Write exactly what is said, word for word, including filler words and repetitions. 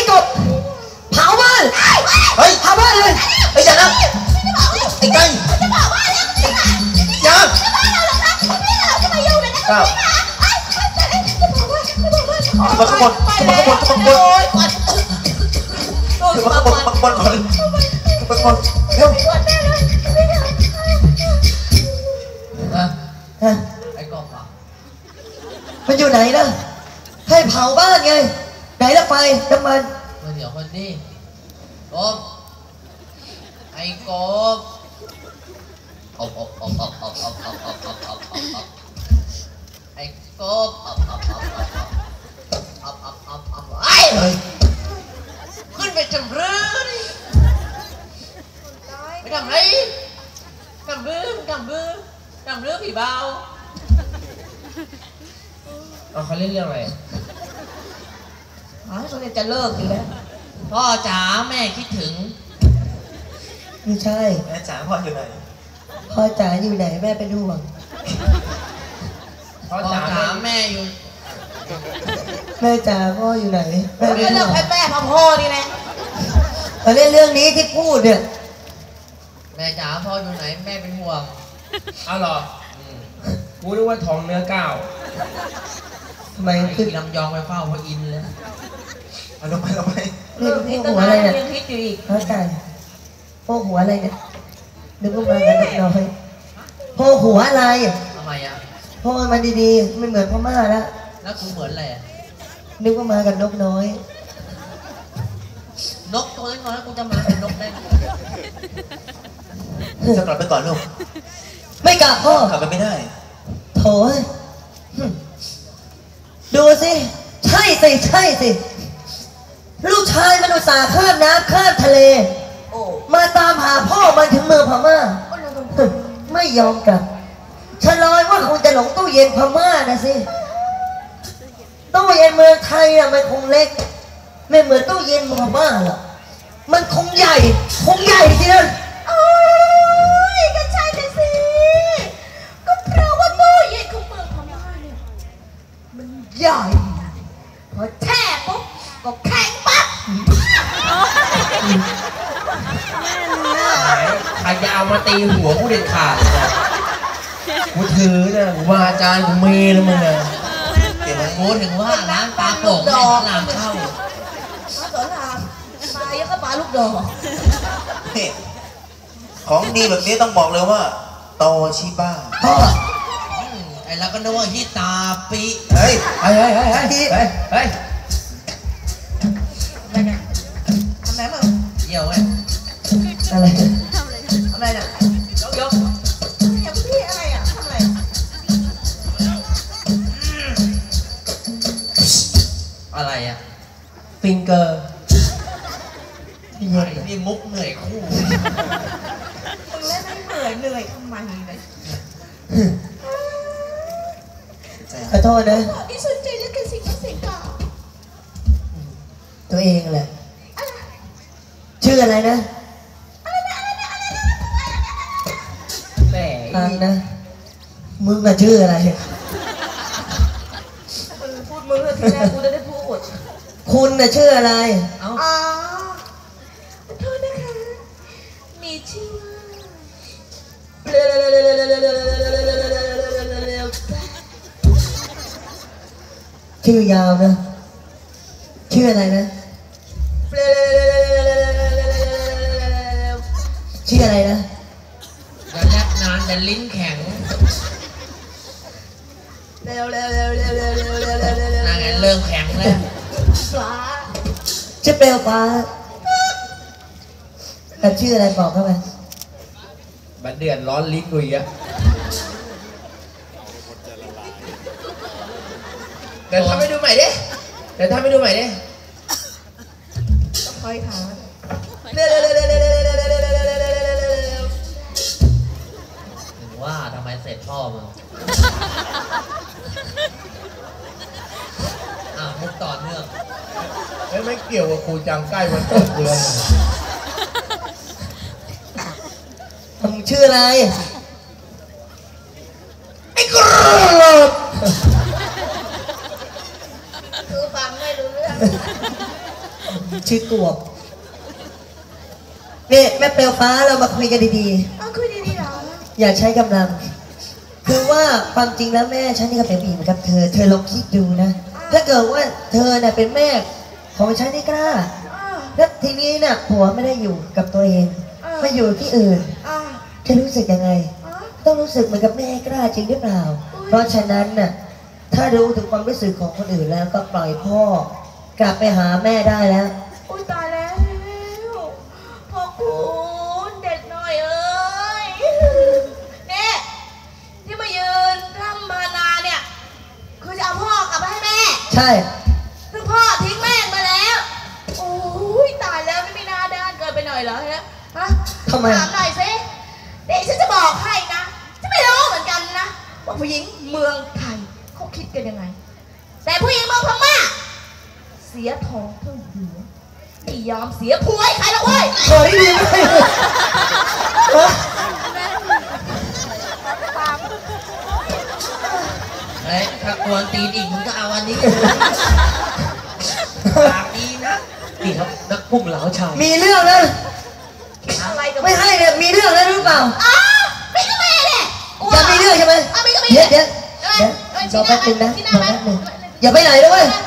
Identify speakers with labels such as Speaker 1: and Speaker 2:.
Speaker 1: จบเผาบ้านเฮ้ยเผาบ้านเลยไอ้อย่านะไอ้ไก่จะเผาบ้านแล้วอย่าจะบ้านเราเหรอคะพี่เราจะมาอยู่ในนั้นค่ะไอ้จะได้จะเผาบ้านจะเผาบ้านจะมาขบวนจะมาขบวนจะมาขบวนจะมาขบวนจะมาขบวนก่อนจะมาขบวนเร็วฮะไอ้กบอ่ะมันอยู่ไหนล่ะให้เผาบ้านไงไหนละไฟน้ำมันมาเดี๋ยวคนนี้กบไอ้กบอบอบอบอบอบอบอบอบอบอบอบไอ้กบอบอบอบอบอบอบอบอบไอ้ขึ้นไปจำเรื่องไปทำไรจำเรื่องจำเรื่องจำเรื่องผีเบาเอาเขาเล่นเรื่องอะไรอ๋อเขาเนี่ยจะเลิกอยู่แล้วพ่อจ๋าแม่คิดถึงไม่ใช่แม่จ๋าพ่ออยู่ไหนพ่อจ๋าอยู่ไหนแม่เป็นห่วงพ่อจ๋าแม่อยู่แม่จ๋าพ่ออยู่ไหนแม่เป็นห่วงแม่แม่พ่อพ่อนี่แหละเขาเล่นเรื่องนี้ที่พูดเนี่ยแม่จ๋าพ่ออยู่ไหนแม่เป็นห่วงอ้าวเหรอกูนึกว่าทองเนื้อก้าวทำไมขึ้นลำยองไปเฝ้าพระอินทร์เลยเอาลงไปลงไปเรื่องพวกหัวอะไรเนี่ยพระกันพวกหัวอะไรเนี่ยนึกว่ามากันนกน้อยพวกหัวอะไรทำไมอ่ะพวกมันดีๆไม่เหมือนพม่าแล้วแล้วกูเหมือนอะไรนึกว่ามากันนกน้อยนกตัวน้อยกูจะมาเป็นนกได้จะกลับไปก่อนลูกไม่กลับพ่อกลับไปไม่ได้โถ่ดูสิใช่สิใช่สิลูกชายมันอุตส่าห์ข้ามน้ำข้ามทะเลมาตามหาพ่อมันถึงเมืองพม่าไม่ยอมกลับฉันลอยว่าคงจะหลงตู้เย็นพม่านะสิตู้เย็นเมืองไทยอะมันคงเล็กไม่เหมือนตู้เย็นพม่าหรอกมันคงใหญ่คงใหญ่จริงนะโอ้ยก็ใช่เลยสิก็เพราะว่าตู้เย็นของเมืองพม่าเนี่ยมันใหญ่พอแช่ปุ๊บก็แข็งปั๊บใครจะเอามาตีหัวกูเด็ดขาดกูถือนะกูว่าอาจารย์กูเมย์แล้วมึงนะเดี๋ยวกูถึงว่าร้านปลาโป่งแม่ลามเข้าปลาสอนรามปลาเยอะก็ปลาลูกดอกของดีแบบนี้ต้องบอกเลยว่าโตชิบ้าไอ้เราก็นึกว่าฮิตาปิเฮ้ยเฮ้ยเฮ้ยเฮ้ยเฮ้ยเฮ้ยเฮ้ยทำไมมึงเยี่ยวไงอะไรทำอะไรเนี่ยยกยกอย่าพี่อะไรอ่ะทำอะไรอะไรอ่ะฟิงเกอร์นี่มุกเหนื่อยคู่มึงเล่นไม่เหนื่อยเหนื่อยทำไมเลยขอโทษนะดิสนใจเรื่องการสิ่งสิ่งก่อนตัวเองแหละชื่ออะไรนะแหมฟังนะมึงอะชื่ออะไรมึงพูดมึงเลยทีแรกกูจะได้พูดคุณน่ะชื่ออะไรอ๋อโทษนะคะมีชื่อชื่อยาวนะชื่ออะไรนะชื่ออะไรนะจะแลกนานแต่ลิ้นแข็งเร็วเร็วเร็วเร็วเร็วเร็วเร็วเร็วเร็วนั่นไงเริ่มแข็งแล้วฟ้าชื่อเปลวฟ้าแต่ชื่ออะไรบอกเข้าไปบัดเดือนร้อนลิ้นกุยอะเดี๋ยวทำให้ดูใหม่ดิเดี๋ยวทำให้ดูใหม่ดิต้องคอยถามเร็วเร็วเร็วเร็วเร็วเร็วเร็วเร็วเร็วเร็วเร็วเร็วถึงว่าทำไมเสร็จพ่อมึงอ่ะมุกต่อเนื่องไม่ไม่เกี่ยวกับครูจังใกล้วันเกิดกูเลยมึงชื่ออะไรไอ้กรอบคือฟังไม่รู้เรื่องชื่อกวบนี่แม่เปลวฟ้าเรามาคุยกันดีๆ
Speaker 2: อ้าวคุยดีๆเหรอ
Speaker 1: อย่าใช้กำลัง คือว่าความจริงแล้วแม่ฉันนี่ก็เป็นผู้หญิงเหมือนกับเธอ เธอลองคิดดูนะ ถ้าเกิดว่าเธอน่ะเป็นแม่ของฉันนี่กล้า
Speaker 2: อ้าว
Speaker 1: แล้วทีนี้น่ะผัวไม่ได้อยู่กับตัวเอง
Speaker 2: เออ
Speaker 1: มาอยู่ที่อื่น
Speaker 2: อ้าว
Speaker 1: จะรู้สึกยังไง
Speaker 2: อ้าว
Speaker 1: ต้องรู้สึกเหมือนกับแม่กล้าจริงหรือเปล่า เพราะฉะนั้นน่ะ ถ้ารู้ถึงความรู้สึกของคนอื่นแล้วก็ปล่อยพ่อกลับไปหาแม่ได้แล้ว
Speaker 2: อุ้ยตายแล้วพ่อคุณเด็กหน่อยเอ้ยเนี่ยที่มายืนร่ำมานาเนี่ยคือจะเอาพ่อกลับไปให้แม่
Speaker 1: ใช่
Speaker 2: ซึ่งพ่อทิ้งแม่มาแล้วโอ้ยตายแล้วนี่ไม่น่าด้านเกินไปหน่อยเหรอฮะฮะ
Speaker 1: ทำไม
Speaker 2: ถามหน่อยสิเดี๋ยวฉันจะบอกให้นะฉันไม่รู้เหมือนกันนะว่าผู้หญิงเมืองไทยเขาคิดกันยังไงแต่ผู้หญิงเมืองพม่าเสียทองเท่าหัวไม่ยอมเสียผัวให้ใครหรอกเว้ย
Speaker 1: ขอได้ดีไหมฮะ
Speaker 3: เฮ้ยถ้ากวนตีนอีกมึงก็เอาอันนี้ปากดีนะ
Speaker 4: นี่ครับนักพุ่งเหลาชาย
Speaker 1: มีเรื่องนะ
Speaker 2: อะไรกับ
Speaker 1: ไม่ให้เนี่ยมีเรื่องแล้วรู้เปล่า
Speaker 2: อ้าวไม่ก็แม่เนี่ยกลัว
Speaker 1: จะมีเรื่องใช่ไหม
Speaker 2: อ้าวไม่ก็ไม่
Speaker 1: เดี๋ยวเดี๋ยว
Speaker 2: เอ้ย
Speaker 1: เดี๋ยว
Speaker 2: เอ้ย
Speaker 1: รอแป๊บนึงนะ
Speaker 2: ชี้ห
Speaker 1: ร
Speaker 2: น้า
Speaker 1: อ
Speaker 2: ไหม
Speaker 1: แป๊บนึงอย่าไปไหนด้วย